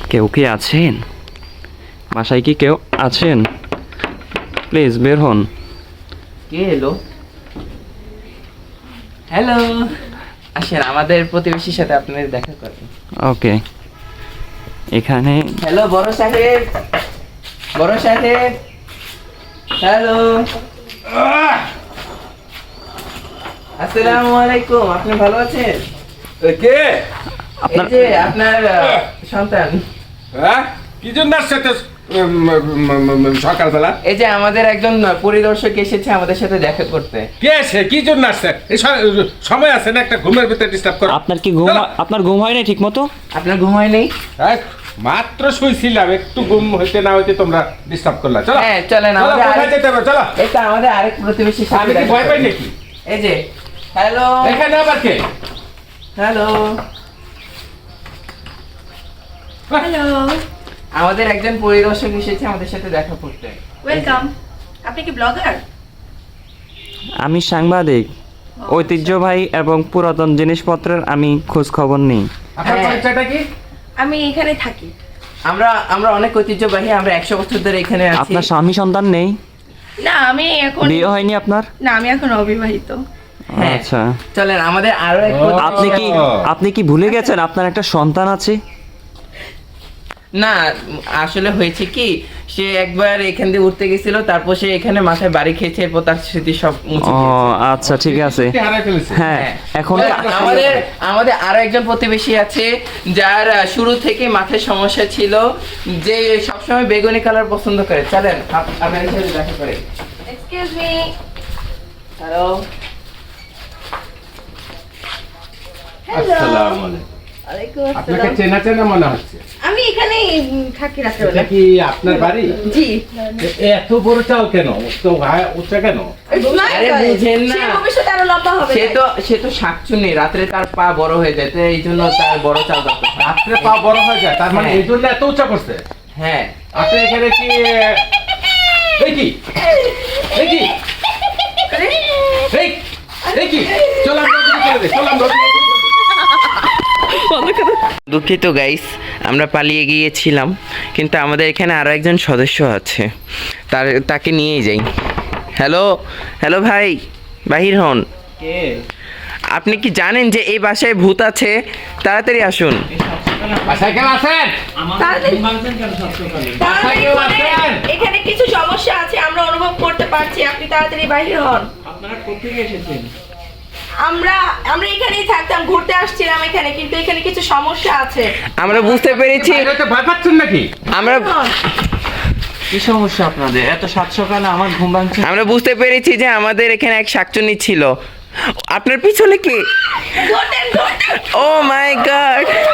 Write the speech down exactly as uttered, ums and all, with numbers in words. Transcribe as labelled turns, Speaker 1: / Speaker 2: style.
Speaker 1: কেউ কি আছেন? বাসায় কি কেউ আছেন? প্লিজ বের হন।
Speaker 2: কে এলো? হ্যালো, আসেন আমাদের প্রতিবেশীর সাথে আপনাদের দেখা করেন।
Speaker 1: ওকে, এখানে
Speaker 2: হ্যালো বড় সাহেব, বড় সাহেব, হ্যালো, আসসালামু আলাইকুম। আপনি ভালো আছেন?
Speaker 3: কে?
Speaker 2: এই
Speaker 1: আপনার
Speaker 2: যে আপনার আহ, সন্তান।
Speaker 3: হ্যাঁ, কি জন্য আসছে তো সকালবেলা?
Speaker 2: এই যে আমাদের একজন পরিদর্শক এসেছে আমাদের সাথে দেখা করতে।
Speaker 3: কে আসে? কি জন্য আসছে? এই স- সময় আছে না একটা ঘুমের ভিতরে ডিস্টার্ব করো?
Speaker 1: আপনার কি ঘুম
Speaker 3: চলো।
Speaker 1: আপনার ঘুম হয় না ঠিক মতো?
Speaker 2: আপনার ঘুম হয় নেই?
Speaker 3: এই, মাত্র শুইছিলাম, একটু ঘুম হইতে না হইতে তোমরা ডিস্টার্ব করলা। চলো
Speaker 2: হ্যাঁ চলেন,
Speaker 3: চলো,
Speaker 2: আমাদের
Speaker 3: কোথায়
Speaker 2: আরেক-
Speaker 3: যেতে হবে? চলো।
Speaker 2: এই তো আমাদের আরেক প্রতিবেশীর সাথে
Speaker 3: আমি কি
Speaker 2: দেখা
Speaker 3: ভয় পাই
Speaker 2: করেন।
Speaker 3: নাকি?
Speaker 2: এই যে হ্যালো,
Speaker 3: এখানে আবার কে?
Speaker 2: হ্যালো,
Speaker 4: হ্যালো,
Speaker 2: আমাদের একজন পরিদর্শক এসেছে আমাদের সাথে দেখা করতে।
Speaker 4: ওয়েলকাম। আপনি কি ব্লগার?
Speaker 1: আমি সাংবাদিক, ঐতিহ্যবাহী এবং পুরাতন জিনিসপত্রের আমি খোঁজ খবর নিই।
Speaker 3: আপনার
Speaker 2: হ্যাঁ।
Speaker 3: পরিচয়টা কি?
Speaker 4: আমি এখানে থাকি।
Speaker 2: আমরা আমরা অনেক ঐতিহ্যবাহী, আমরা একশো বছর ধরে এখানে আছি।
Speaker 1: আপনার স্বামী সন্তান নেই?
Speaker 4: না, আমি এখন
Speaker 1: বিয়ে হয়নি আপনার?
Speaker 4: না, আমি এখন অবিবাহিত।
Speaker 2: হ্যাঁ।
Speaker 1: আচ্ছা,
Speaker 2: চলেন আমাদের আরো এক
Speaker 3: ও।
Speaker 2: প্রতিবেশী
Speaker 1: আপনি কি
Speaker 2: আছে।
Speaker 1: আপনি কি ভুলে গেছেন আপনার একটা সন্তান আছে?
Speaker 2: না, আসলে হয়েছে কি, সে একবার এখান দিয়ে উঠতে গেছিল, তারপর সে এখানে মাথায় বাড়ি খেয়েছে, এরপর তার স্মৃতি সব মুছে
Speaker 1: ও
Speaker 2: গিয়েছে।
Speaker 1: আচ্ছা, ঠিক আছে।
Speaker 3: কি হারাই ফেলেছে?
Speaker 1: হ্যাঁ, এখন
Speaker 2: আমাদের আমাদের আরো একজন প্রতিবেশী আছে যার আহ, শুরু থেকে মাথায় সমস্যা ছিল, যে সবসময় বেগুনি কালার পছন্দ করে। চলেন আপ- আপনার সাথে দেখা করে।
Speaker 4: Excuse me.
Speaker 2: হ্যালো,
Speaker 3: আসসালামু আলাইকুম।
Speaker 4: ওয়ালাইকুম
Speaker 3: আপনাকে
Speaker 4: আসসালাম।
Speaker 3: চেনা চেনা মনে হচ্ছে।
Speaker 4: আমি এখানেই উম, থাকি
Speaker 3: এটা
Speaker 4: রাত্রেবেলা।
Speaker 3: কি আপনার বাড়ি?
Speaker 4: জি।
Speaker 3: এ- এত বড় চাল কেন? তো হায়- উচ্চা কেন?
Speaker 2: আরে বুঝেন না।
Speaker 4: সে ভবিষ্যতে আরো লম্বা হবে।
Speaker 2: সে তো সে তো শাকচুনি, রাত্রে তার পা বড় হয়ে যায়, তো এই জন্য তার বড় চাল দরকার।
Speaker 3: রাত্রে পা বড় হয়ে যায়, তার মানে
Speaker 2: হ্যাঁ।
Speaker 3: এই জন্য এত উচ্চা করছে।
Speaker 2: হ্যাঁ,
Speaker 3: আপনি এখানে কি এই কি এই কি এই এই কি চলাম রজনী করে দে, চলাম রজনী করে দে।
Speaker 2: দুঃখিত গাইস, আমরা পালিয়ে গিয়েছিলাম, কিন্তু আমাদের এখানে আরো একজন সদস্য আছে, তার তাকে নিয়েই যাই। হ্যালো, হ্যালো ভাই, বাহির হন। আপনি কি জানেন যে এই বাসায় ভূত আছে? তাড়াতাড়ি আসুন।
Speaker 3: বাসায় কেন আছেন?
Speaker 4: তাড়াতাড়ি- তাড়াতাড়ি
Speaker 3: কেউ
Speaker 4: করে।
Speaker 3: আছেন?
Speaker 4: এখানে কিছু সমস্যা আছে, আমরা অনুভব করতে পারছি। আপনি তাড়াতাড়ি বাইরে হন।
Speaker 2: আপনারা কোথেকে এসেছেন?
Speaker 4: আমরা আমরা এখানেই থাকতাম, ঘুরতে আসছিলাম এখানে, কিন্তু এখানে কিছু সমস্যা আছে।
Speaker 2: আমরা বুঝতে পেরেছি,
Speaker 3: বাইরে তো ভয় পাচ্ছেন নাকি?
Speaker 2: আমরা
Speaker 4: হন।
Speaker 1: কি সমস্যা আপনাদের? এত সাত সকালে আমার ঘুম ভাঙছে।
Speaker 2: আমরা বুঝতে পেরেছি যে আমাদের এখানে এক শাকচুনি ছিল। আপনার পিছনে কি?
Speaker 4: ঘুরতেন, ঘুরতেন।
Speaker 2: Oh my god!